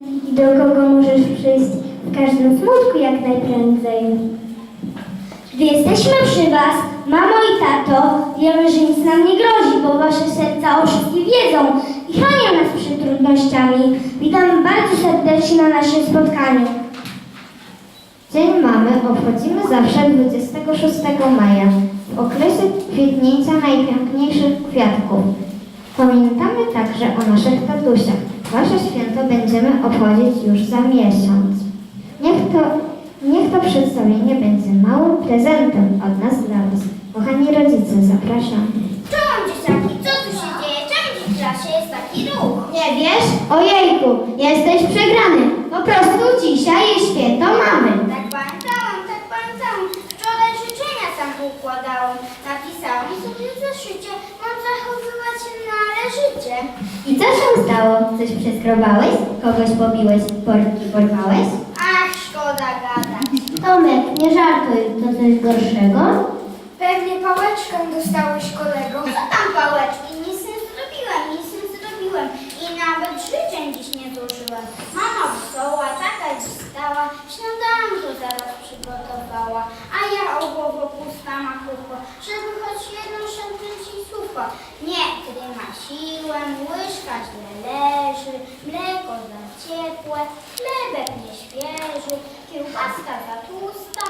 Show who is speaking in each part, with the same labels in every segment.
Speaker 1: I do kogo możesz przyjść w każdym smutku jak najprędzej. Gdy jesteśmy przy was, mamo i tato, wiemy, że nic nam nie grozi, bo wasze serca o wszystkim wiedzą i chronią nas przed trudnościami. Witam bardzo serdecznie na naszym spotkaniu.
Speaker 2: Dzień Mamy obchodzimy zawsze 26 maja, w okresie kwitnięcia najpiękniejszych kwiatków. Pamiętamy także o naszych tatusiach. Wasze święto będziemy obchodzić już za miesiąc. Niech to przedstawienie będzie małym prezentem od nas dla was. Kochani rodzice, zapraszam.
Speaker 3: Czołem dzieciaki, co tu się dzieje? Czemu w klasie jest taki ruch?
Speaker 2: Nie wiesz? Ojejku, jesteś przegrany. Po prostu dzisiaj jest święto mamy.
Speaker 3: Tak pamiętałam. Wczoraj życzenia sam układałam. Napisałam sobie w zeszycie, mam zachowywać się należycie.
Speaker 2: I co się stało? Coś przeskrobałeś? Kogoś pobiłeś? Portki porwałeś?
Speaker 3: Ach, szkoda gadać.
Speaker 2: Tomek, nie żartuj, to coś gorszego?
Speaker 3: Pewnie pałeczkę dostałeś, kolego. Co tam pałeczki? Nic nie zrobiłem. I nawet życzeń dziś nie złożyłem. Mama wstała, tata dziś wstała, śniadanko zaraz przygotowała. A ja o głowo pusta machucho, żeby choć jedno szepnąć i słówko. Nie, gdy ma siłę, łyżka źle leży, mleko za ciepłe, chlebek nieświeży, kiełbaska za tłusta,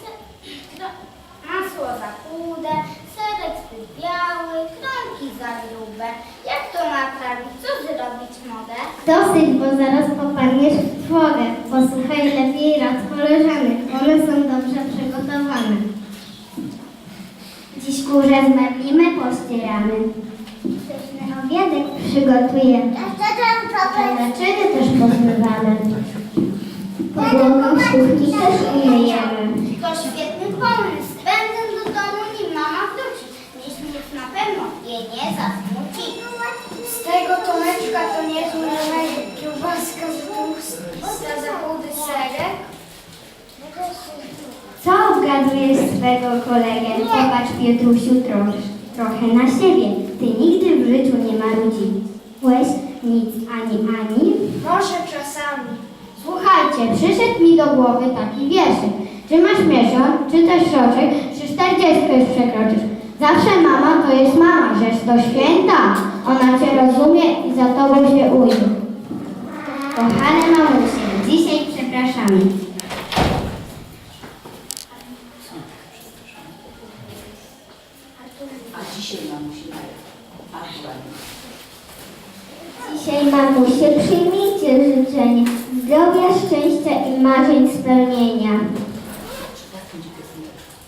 Speaker 3: masło za chude, serek zbyt biały, kromki za grube. Jak to naprawić? Co zrobić mogę?
Speaker 2: Dosyć, bo zaraz popadniesz w trwogę. Posłuchaj lepiej rad koleżanek. One są dobrze przygotowane. Dziś kurze zmeblimy, pościeramy. Pyszny obiadek przygotujemy. Naczyny też pozmywamy. Podłogę szkówki też umyjemy.
Speaker 3: To świetny pomysł. Będę do domu, nim mama wróci. Nic na pewno jej nie zasmuci.
Speaker 4: Z tego Tomeczka to niezły remek, kiełbaska z tłusta za chudy serek.
Speaker 2: Co obgadujesz swego kolegę? Popatrz, Piotrusiu, trochę na siebie. Ty nigdy w życiu nie marudziłeś nic ani.
Speaker 4: Może czasami.
Speaker 2: Słuchajcie, przyszedł mi do głowy taki wierszyk. Czy masz miesiąc, czy też roczek, czy 40 już przekroczysz. Zawsze mama to jest mama, rzecz to święta. Ona cię rozumie i za tobą się ujdzie. Kochane mamusie, dzisiaj przepraszamy. Dzisiaj mamusie przyjmijcie życzenie zdrowia, szczęścia i marzeń spełnienia.